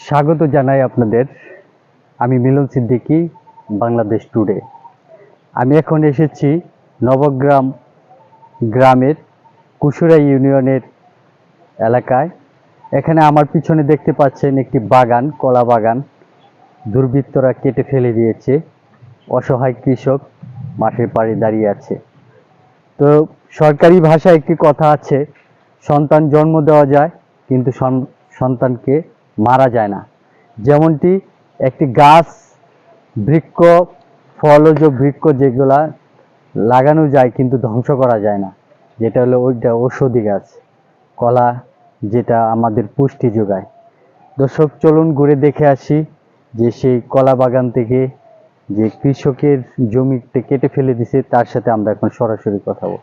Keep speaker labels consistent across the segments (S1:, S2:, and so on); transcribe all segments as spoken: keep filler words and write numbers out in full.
S1: স্বাগত জানাই আপনাদের। আমি মিলন সিদ্দিকী, বাংলাদেশ টুডে। আমি এখন এসেছি নবগ্রাম গ্রামের কুশুরা ইউনিয়নের এলাকায়। এখানে আমার পিছনে দেখতে পাচ্ছেন একটি বাগান, কলা বাগান দুর্বৃত্তরা কেটে ফেলে দিয়েছে। অসহায় কৃষক মাঠের পাড়ে দাঁড়িয়ে আছে। তো সরকারি ভাষায় একটি কথা আছে, সন্তান জন্ম দেওয়া যায় কিন্তু সন্তানকে মারা যায় না। যেমনটি একটি গাছ, বৃক্ষ, ফলজ বৃক্ষ যেগুলা লাগানো যায় কিন্তু ধ্বংস করা যায় না, যেটা হলো ওইটা ঔষধি গাছ, কলা, যেটা আমাদের পুষ্টি যোগায়। দর্শক, চলুন ঘুরে দেখে আসি যে সেই কলা বাগান থেকে যে কৃষকের জমিতে কেটে ফেলে দিছে তার সাথে আমরা এখন সরাসরি কথা বলব।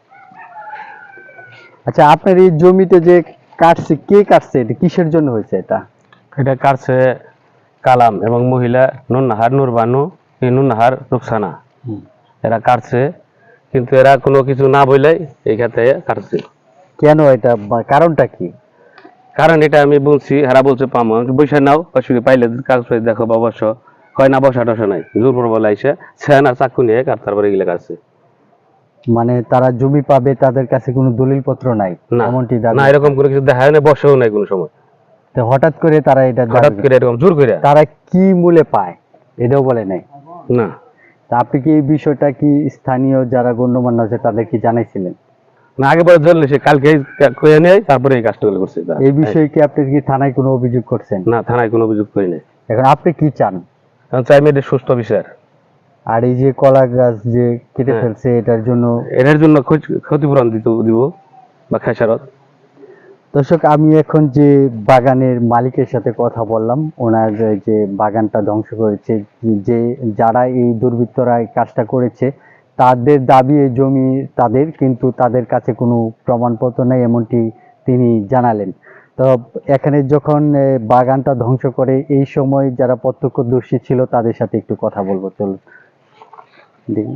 S1: আচ্ছা, আপনার এই জমিতে যে কাটছে, কে কাটছে? এটা কিসের জন্য হয়েছে? এটা
S2: এটা কাটছে কালাম এবং মহিলা নুননাহার নুরবানু, এই নুননাহার রুকসানা, এরা কাটছে, কিন্তু এরা কোনো কিছু না বললেই এই খাতে কাটছে।
S1: কেন? এটা কারণটা কি?
S2: কারণ এটা আমি বলছি, এরা বলছে পামো বৈশা নাও, অসুবিধা পাইলে কাগজ দেখো বা বসো, কয় না বসা টসা নাই, জোর পর বলে আইসে সেন আর চাকু নিয়ে কাট, তারপরে এগুলো কাটছে।
S1: মানে তারা জমি পাবে, তাদের কাছে কোনো দলিল পত্র নাই, এমনটি দাবি?
S2: না, এরকম কোনো কিছু দেখা যায় না, বসেও নাই কোনো সময়।
S1: তো হঠাৎ করে তারা এটা
S2: হঠাৎ করে এরকম জোর করে
S1: তারা কি মূল্যে পায় এটাও বলে নাই?
S2: না।
S1: তা আপনি কি এই বিষয়টা কি স্থানীয় যারা গণ্যমান্য আছে তাদের কি জানাইছিলেন?
S2: না, আগে পরে জানলে সে কালকে কয়ে নেয়, তারপরে এই কাজটা করছে।
S1: এই বিষয়ে কি আপনি কি থানায় কোনো অভিযোগ করছেন?
S2: না, থানায় কোনো অভিযোগ করি নাই।
S1: এখন আপনি কি চান?
S2: এখন চাই মেয়েদের সুস্থ বিচার।
S1: আর এই যে কলা গাছ যে কেটে ফেলছে, এটার জন্য
S2: এটার জন্য ক্ষতিপূরণ দিতে দিব বা খেসারত।
S1: দর্শক, আমি এখন যে বাগানের মালিকের সাথে কথা বললাম, ওনার যে বাগানটা ধ্বংস করেছে, যে যারা এই দুর্বৃত্তরা এই কাজটা করেছে তাদের দাবি এই জমি তাদের, কিন্তু তাদের কাছে কোনো প্রমাণপত্র নেই, এমনটি তিনি জানালেন। তো এখানে যখন বাগানটা ধ্বংস করে, এই সময় যারা প্রত্যক্ষদর্শী ছিল তাদের সাথে একটু কথা বলবো, চলুন দেখি।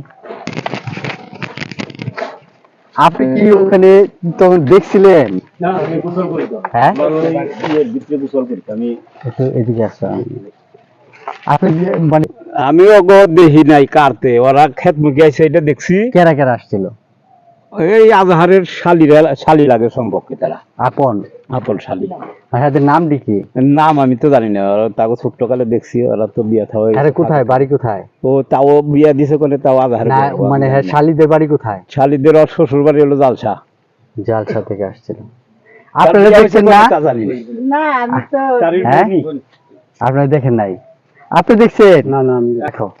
S1: আপনি কি ওখানে তখন দেখছিলেন? হ্যাঁ, এদিকে আসা। আপনি মানে
S3: আমি অগ দেখি নাই কাটতে, ওরা ক্ষেত মুখে আছে, এটা দেখছি।
S1: কেরা কেরা আসছিল?
S3: এই আজহারের শালিরা, শালি লাগে সম্পর্কে, তারা
S1: আপন
S3: আপন শালি।
S1: হ্যাঁ, নাম দেখি
S3: নাম আমি তো জানি না, ওরা তাকে ছোট্ট কালে দেখছি, ওরা তো বিয়া থাও।
S1: আরে কোথায় বাড়ি? কোথায়?
S3: ও তাও বিয়া দিছে কোনে, তাও আজহারের
S1: মানে হ্যাঁ, শালিদের বাড়ি কোথায়?
S3: শালিদের ওর শ্বশুর বাড়ি হলো জালসা।
S1: জালসা থেকে আসছিল। আপনারা দেখছেন না?
S4: না, আমি তো
S1: হ্যাঁ, আপনারা দেখেন নাই? আপনি দেখছেন?
S3: না না, আমি
S1: দেখো।